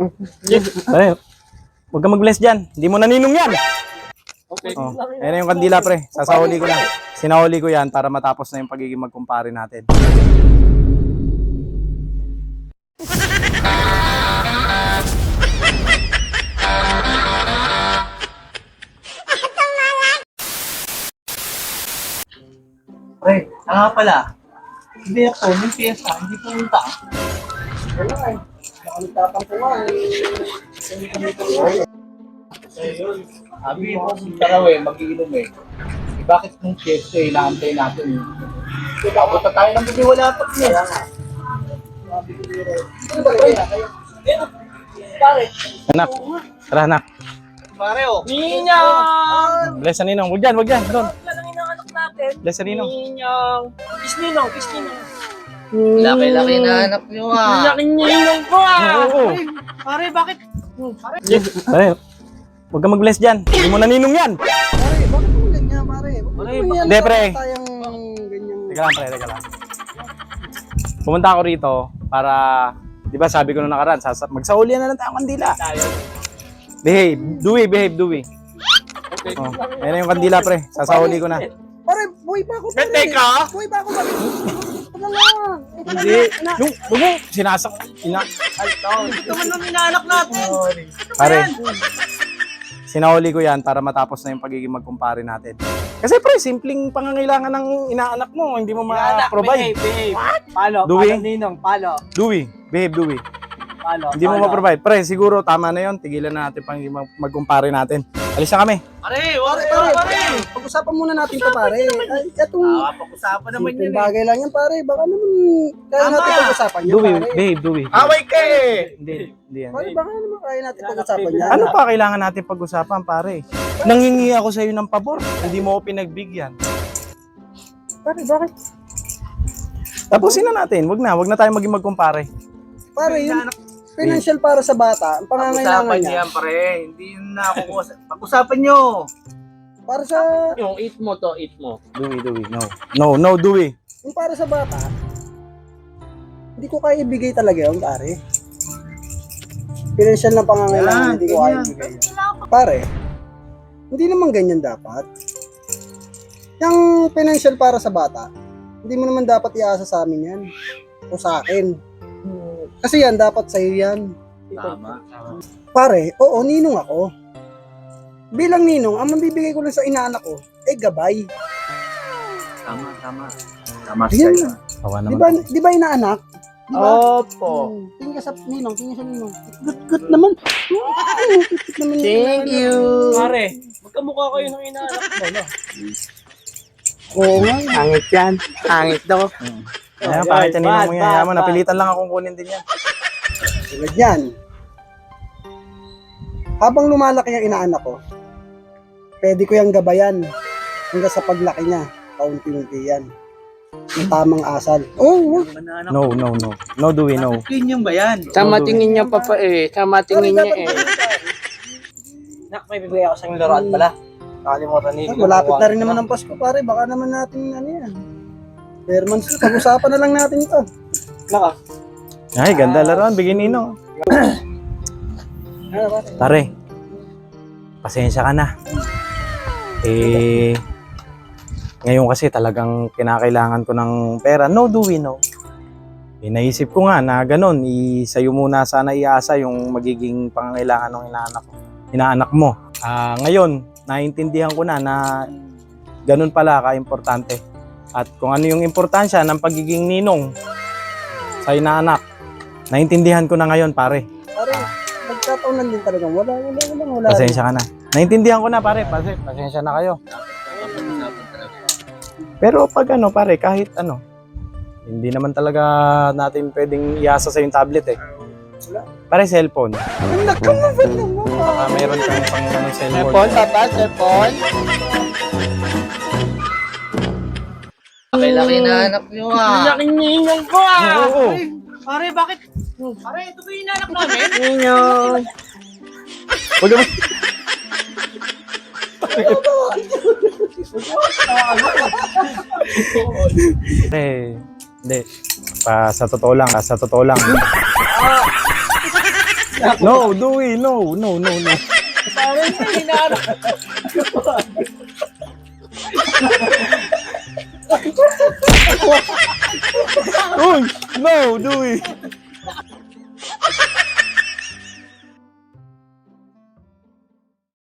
Pare, huwag kang mag-bless dyan. Hindi mo naninong yan. Okay. Oh, ayan na yung kandila, pre. Sasahuli ko na. Sinahuli ko yan para matapos na yung pagiging magkumpare natin. Pre, pala. Hindi ako, may piyesa, hindi pumunta. Wala eh. Nakalitapan ko nga eh. Ayun. Sabi mo, taraw eh, mag-iinom eh. Bakit nung piyesa eh, naantay natin eh. Abot na tayo ng bibi, wala pa niya. Pare. Anak, tara anak. Pare oh. Ninong! Bless sa ninong. Huwag dyan, huwag dyan. Doon. Wala lang inaanak natin. Bless sa ninong. Ninong. Kiss ninong, kiss ninong. Laki-laki na anak niyo ah. Laking ninong ko ah. Oo. Pare, bakit? Pare, huwag kang mag-bless dyan. Hindi mo naninong yan. Pare, bakit mo ganyan, pare? Hindi, pre. Tayong ganyan. Teka lang, pre, teka lang. Pumunta ako rito para, di ba sabi ko nung nakaraan, magsaulian na lang tayong kandila. Behave, Dewey. Okay. Oh, ayan na yung kandila, pre. Sasahuli ko na. Pare, buhay pa ako. Bete ka? Buhay pa ako. Ito na lang. Hindi. Yung sinasak. Ito man nung inaanak natin. Pare, sinahuli ko yan para matapos na yung pagiging magkumpare natin. Kasi pre, simpleng pangangailangan ng inaanak mo, hindi mo ma-provide. Behave. Palo, Dewey? palo ninong, palo. Dewey, Dewey. Palo. Hindi mo ma-provide. Pre, siguro tama na yon. Tigilan na natin pang magkumpare natin. Alis na kami. Pare, Pag-usapan muna natin ito, pare. Ay, itong pag-usapan naman simpleng yun eh. bagay lang yan, pare. Baka naman kaya natin pag-usapan yan, Dewey, pare. Dewey. Away ka eh! Hindi yan. Pare, baka naman kaya natin pag-usapan yan. Ano pa kailangan natin pag-usapan, pare? Nangingi ako sa iyo ng pabor. Hindi mo ako pinagbigyan. Pare, bakit? Tapusin na natin. Wag na tayo maging magkumpare. Pare, yung financial para sa bata, ang pangangailangan Pag-usapan niya. niya pare, hindi na ako pag-usapan nyo. Para sa, Yung eat mo to, eat mo. Dewey. No, Dewey. yung para sa bata, hindi ko kaya ibigay talaga yun, pare. Financial na pangangailangan, Yan, hindi ko kaya ganyan. ibigay yun. Pare, hindi naman ganyan dapat. Yung financial para sa bata, hindi mo naman dapat iasa sa amin yan. O sa akin. Kasi yan, dapat sa'yo yan. Tama. Pare, oo, ninong ako. Bilang ninong, ang mabibigay ko lang sa inaanak ko, gabay. Tama. Tama Yan sa'yo. na. Awa Di naman. ba inaanak? Di ba? Opo. Tingin ka sa ninong, tingin sa ninong. Good naman. Good naman. Thank you. Pare, magkamukha kayo ng inaanak mo, no? Oo nga. Hangit yan. Hangit daw. Ayan, bakit yan ninong mo yan? Hayaan mo, napilitan lang akong kunin din yan. Tulad yan. Habang lumalaki ang inaanak ko, pwede ko yung gabayan hanggang sa paglaki niya. Kaunti-unti yan. Ang tamang asal. Oh, No, Dewey, no. Opinion ba yan? Sama tingin niya pa eh. Sama tingin niya eh. Nak, may bibigay ako sa inyong laruan pala. Nakalimutan niyo. malapit na rin naman ang Pasko, pare. Baka naman natin ano yan. Berman, pag-usapan na lang natin ito. Naka. Ay, ganda laruan. Bigyan ninong. Pare, pasensya ka na. Ngayon kasi talagang kinakailangan ko ng pera. No, Dewey, no. Naisip ko nga na ganun, sa'yo muna sana iasa yung magiging pangangailangan ng inaanak mo. Ngayon, naiintindihan ko na ganun pala ka-importante. At kung ano yung importansya ng pagiging ninong sa inaanak, naiintindihan ko na ngayon, pare. Pare, nagkataon lang din talagang wala. Pasensya ka na. Naintindihan ko na, pare. Pasensya na kayo. Pero pag pare, kahit hindi naman talaga natin pwedeng iasa sa yung tablet eh. Pare, cellphone. Baka meron kang pang cellphone. Cellphone, papa, cellphone. Laki-laki na anak niyo ah. Laking ninong ko ah. Oo. Pare, bakit? Pare, ito ba yung inaanak namin? Ninong. Huwag naman. Hindi. Sa totoo lang. No, Dewey, no. Pare, hinahanap. Uy, no, Dewey.